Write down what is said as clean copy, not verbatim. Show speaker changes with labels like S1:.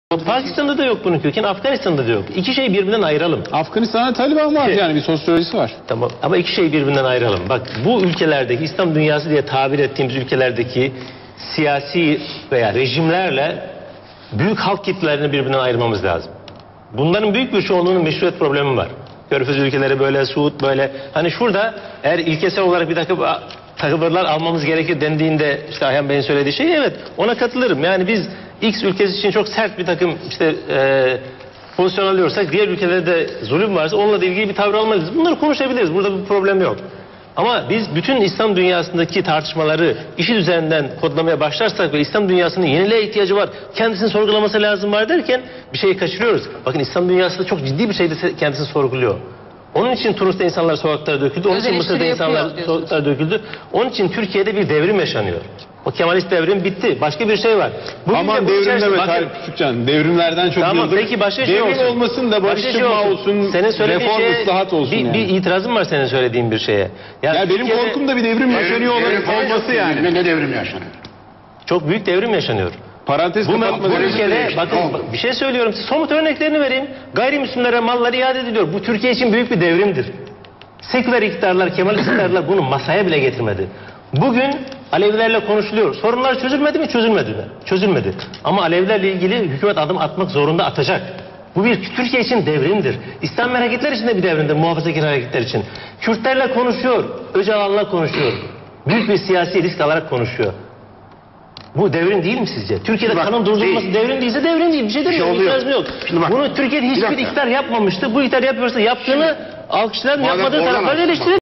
S1: Pakistan'da da yok bunun kökeni, Afganistan'da da yok. İki şeyi birbirinden ayıralım.
S2: Afganistan'da Taliban var, yani bir sosyolojisi var.
S1: Tamam, ama iki şeyi birbirinden ayıralım. Bak, bu ülkelerdeki, İslam dünyası diye tabir ettiğimiz ülkelerdeki siyasi veya rejimlerle büyük halk kitlelerini birbirinden ayırmamız lazım. Bunların büyük bir çoğunluğunun meşruiyet problemi var. Körfez ülkeleri böyle, Suud böyle. Hani şurada eğer ilkesel olarak bir takım tavırlar almamız gerekir dendiğinde, işte Ayhan Bey'in söylediği şey, evet, ona katılırım. Yani biz X ülkesi için çok sert bir takım pozisyon alıyorsak, diğer ülkelerde de zulüm varsa onunla da ilgili bir tavır almalıyız. Bunları konuşabiliriz. Burada bir problem yok. Ama biz bütün İslam dünyasındaki tartışmaları işi üzerinden kodlamaya başlarsak ve İslam dünyasının yeniliğe ihtiyacı var, kendisini sorgulaması lazım var derken bir şeyi kaçırıyoruz. Bakın, İslam dünyası da çok ciddi bir şeyde kendisini sorguluyor. Onun için Tunus'ta insanlar sokaklara döküldü. Onun için Mısır'da insanlar sokaklara döküldü. Onun için Türkiye'de bir devrim yaşanıyor. O Kemalist devrim bitti. Başka bir şey var. Bugün
S2: aman devrim deme Tarık Küçükcan. Devrimlerden çok
S1: tamam,
S2: yıldır.
S1: Peki başka şey
S2: devrim olmasın da barıştırma olsun, reform ıslahat olsun yani.
S1: Bir itirazım var senin söylediğin bir şeye.
S2: Ya benim korkum da bir devrim yaşanıyor olması yani.
S3: Ne devrim yaşanıyor?
S1: Çok büyük devrim yaşanıyor.
S2: Parantez kapatma.
S1: Bu ülkede bakın bir şey söylüyorum. Somut örneklerini vereyim. Gayrimüslimlere malları iade ediliyor. Bu Türkiye için büyük bir devrimdir. Seküler iktidarlar, Kemalist iktidarlar bunu masaya bile getirmedi. Bugün Alevilerle konuşuluyor. Sorunlar çözülmedi mi? Çözülmedi mi? Çözülmedi. Ama Alevilerle ilgili hükümet adım atmak zorunda, atacak. Bu bir Türkiye için devrimdir. İslam hareketler için de bir devrimdir, muhafazakar hareketler için. Kürtlerle konuşuyor, Öcalan'la konuşuyor. Büyük bir siyasi risk alarak konuşuyor. Bu devrim değil mi sizce? Türkiye'de kanun durdurulması devrim değilse devrim değil. Bir şey demiyorum. İtirazım yok. Bunu Türkiye'de hiçbir iktidar yapmamıştı. Bu iktidar yapıyorsa yaptığını alkışlayan, yapmadığı tarafları eleştirelim.